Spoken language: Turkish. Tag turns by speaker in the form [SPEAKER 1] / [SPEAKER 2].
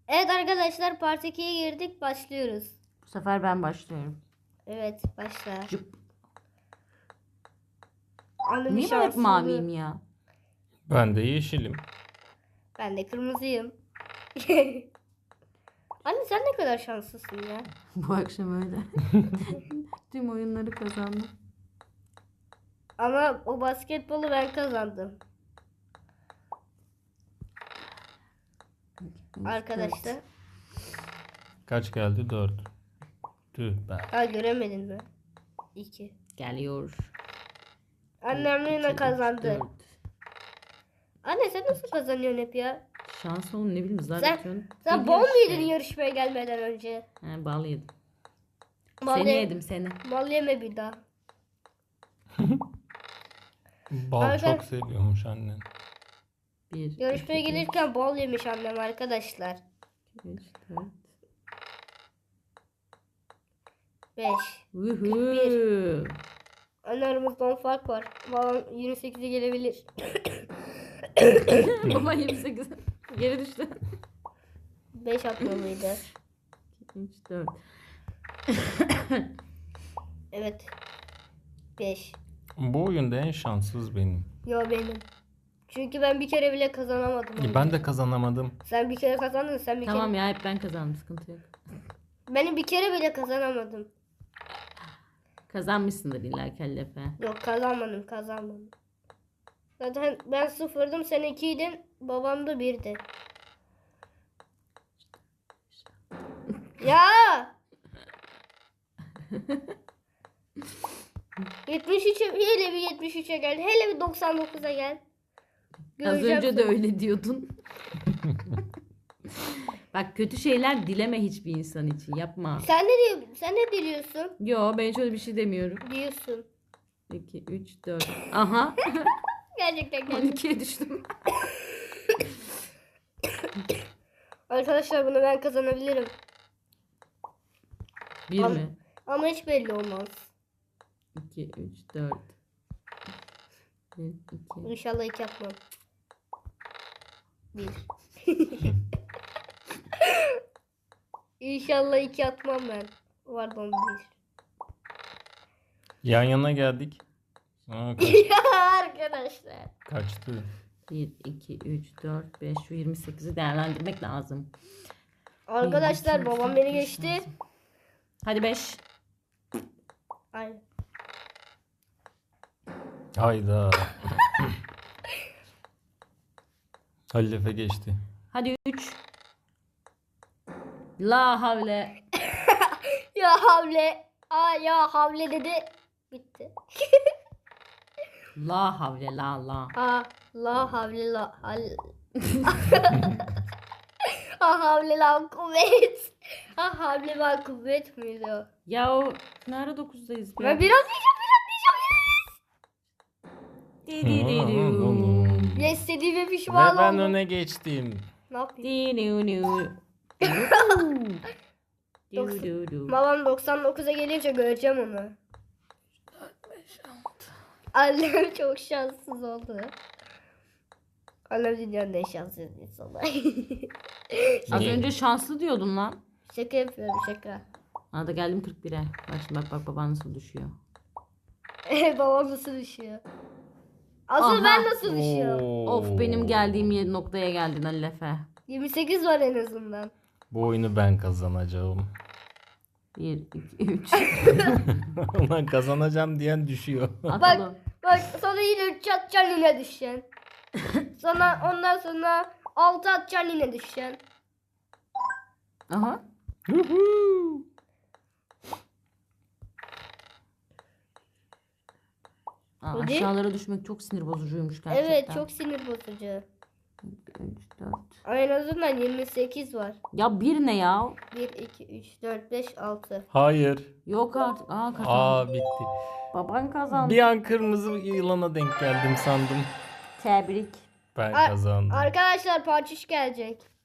[SPEAKER 1] Evet arkadaşlar part 2'ye girdik. Başlıyoruz.
[SPEAKER 2] Bu sefer ben başlıyorum.
[SPEAKER 1] Evet başla.
[SPEAKER 2] Cıp.
[SPEAKER 1] Annem
[SPEAKER 2] Niye ben hep maviyim ya?
[SPEAKER 3] Ben de yeşilim.
[SPEAKER 1] Ben de kırmızıyım. Anne sen ne kadar şanslısın ya.
[SPEAKER 2] Bu akşam öyle. Tüm oyunları kazandım.
[SPEAKER 1] Ama o basketbolu ben kazandım. Arkadaşlar.
[SPEAKER 3] Kaç geldi? 4. Tüh be.
[SPEAKER 1] Ha göremedin mi? 2.
[SPEAKER 2] Geliyor.
[SPEAKER 1] Annem yine kazandı.
[SPEAKER 2] 4.
[SPEAKER 1] Anne sen nasıl kazanıyorsun hep ya?
[SPEAKER 2] Şans olun ne bileyim zar
[SPEAKER 1] Sen-
[SPEAKER 2] atıyorsun.
[SPEAKER 1] Sen
[SPEAKER 2] Geliyor
[SPEAKER 1] bol mu
[SPEAKER 2] işte.
[SPEAKER 1] yedin yarışmaya gelmeden önce?
[SPEAKER 2] He bağlı yedim.
[SPEAKER 1] Mal
[SPEAKER 2] Seni
[SPEAKER 1] ye-
[SPEAKER 2] yedim seni.
[SPEAKER 1] Mal yeme bir daha.
[SPEAKER 3] Bal
[SPEAKER 1] Arka-
[SPEAKER 3] çok seviyormuş annen.
[SPEAKER 2] 1,
[SPEAKER 1] Yarışmaya gelirken bal yemiş annem arkadaşlar.
[SPEAKER 2] 3, 4.
[SPEAKER 1] 5.
[SPEAKER 2] Vuhuu.
[SPEAKER 1] Anne aramızda 10 fark var. Babam 28'e gelebilir.
[SPEAKER 2] Baba 28. Geri düştü.
[SPEAKER 1] 5 atmalıydı.
[SPEAKER 2] 3, 4.
[SPEAKER 1] Evet. 5.
[SPEAKER 3] Bu oyunda en şanssız benim.
[SPEAKER 1] Yo benim. Çünkü ben bir kere bile kazanamadım. onu.
[SPEAKER 3] Ben de kazanamadım.
[SPEAKER 1] Sen bir kere kazandın, sen bir
[SPEAKER 2] Tamam
[SPEAKER 1] kere.
[SPEAKER 2] ya hep ben kazandım sıkıntı yok.
[SPEAKER 1] Benim bir kere bile kazanamadım.
[SPEAKER 2] Kazanmışsındır illa kellefe.
[SPEAKER 1] Yok kazanmadım. Zaten ben sıfırdım, sen 2'ydin, babam da 1'di. Ya! 73'e hele bir 73'e gel. Hele bir 99'a gel.
[SPEAKER 2] Az
[SPEAKER 1] Göreceğim
[SPEAKER 2] önce de
[SPEAKER 1] seni.
[SPEAKER 2] öyle diyordun. Bak kötü şeyler dileme hiçbir insan için. Yapma.
[SPEAKER 1] Sen ne diyorsun? Sen ne diliyorsun?
[SPEAKER 2] Yo ben şöyle bir şey demiyorum.
[SPEAKER 1] Diyorsun.
[SPEAKER 2] 2, 3, 4. Aha.
[SPEAKER 1] Gerçekten geldi.
[SPEAKER 2] 12'ye düştüm.
[SPEAKER 1] Arkadaşlar bunu ben kazanabilirim.
[SPEAKER 2] 1
[SPEAKER 1] Al.
[SPEAKER 2] mi?
[SPEAKER 1] Ama hiç belli olmaz.
[SPEAKER 2] 2, 3, 4. 1, 2.
[SPEAKER 1] İnşallah 2 yapmam. 1. İnşallah 2 atmam ben. Pardon 1.
[SPEAKER 3] Yan yana geldik.
[SPEAKER 1] Ya arkadaşlar.
[SPEAKER 3] Kaçtı.
[SPEAKER 2] 1, 2, 3, 4, 5. Şu 28'i değerlendirmek lazım.
[SPEAKER 1] Arkadaşlar
[SPEAKER 2] 1, 2, 3,
[SPEAKER 1] babam
[SPEAKER 2] 4,
[SPEAKER 1] beni
[SPEAKER 2] 5
[SPEAKER 1] geçti.
[SPEAKER 2] lazım. Hadi 5.
[SPEAKER 1] Aynen.
[SPEAKER 3] Hayda. Halil Efe geçti.
[SPEAKER 2] Hadi 3. La havle.
[SPEAKER 1] Ya havle. Aa ya havle dedi. Bitti.
[SPEAKER 2] La havle la la.
[SPEAKER 1] Ha la havle la hal. Ha havle la kuvvet. Ha havle la kuvvet miydi o?
[SPEAKER 2] Ya o ne ara 9'dayız be?
[SPEAKER 1] Ben biraz ya istediğime
[SPEAKER 3] Ve
[SPEAKER 1] pişman
[SPEAKER 3] ben
[SPEAKER 1] oldum.
[SPEAKER 3] öne geçtim.
[SPEAKER 1] Ne yapayım? Babam 99'a gelince göreceğim onu. Annem çok şanssız oldu. Annem dünyanın en şanssız insanı.
[SPEAKER 2] Az
[SPEAKER 3] Niye?
[SPEAKER 2] önce şanslı diyordun lan.
[SPEAKER 1] Şaka yapıyorum şaka.
[SPEAKER 2] Aa da geldim 41'e. Bak şimdi bak baban nasıl düşüyor.
[SPEAKER 1] Babam nasıl düşüyor? Asıl
[SPEAKER 2] Aha.
[SPEAKER 1] ben nasıl düşüyorum?
[SPEAKER 2] Of benim geldiğim noktaya geldin Ali Efe.
[SPEAKER 1] 28 var en azından.
[SPEAKER 3] Bu oyunu ben kazanacağım.
[SPEAKER 2] 1, 2, 3.
[SPEAKER 3] Ulan kazanacağım diyen düşüyor.
[SPEAKER 2] Atalım.
[SPEAKER 1] Bak sonra yine 3 atacaksın yine düşeceksin. Sonra ondan sonra 6 atacaksın yine düşeceksin.
[SPEAKER 2] Aha. Aa,
[SPEAKER 1] Hadi.
[SPEAKER 2] aşağılara düşmek çok sinir bozucuymuş gerçekten.
[SPEAKER 1] Evet çok sinir bozucu.
[SPEAKER 2] 3, 4.
[SPEAKER 1] Ama en azından 28 var.
[SPEAKER 2] Ya bir ne ya?
[SPEAKER 1] 1, 2, 3, 4, 5, 6.
[SPEAKER 3] Hayır.
[SPEAKER 2] Yok artık. Aa kazandı.
[SPEAKER 3] Aa bitti.
[SPEAKER 2] Baban kazandı.
[SPEAKER 3] Bir an kırmızı yılana denk geldim sandım.
[SPEAKER 2] Tebrik.
[SPEAKER 3] Ben
[SPEAKER 1] Ar-
[SPEAKER 3] kazandım.
[SPEAKER 1] Arkadaşlar parçış gelecek.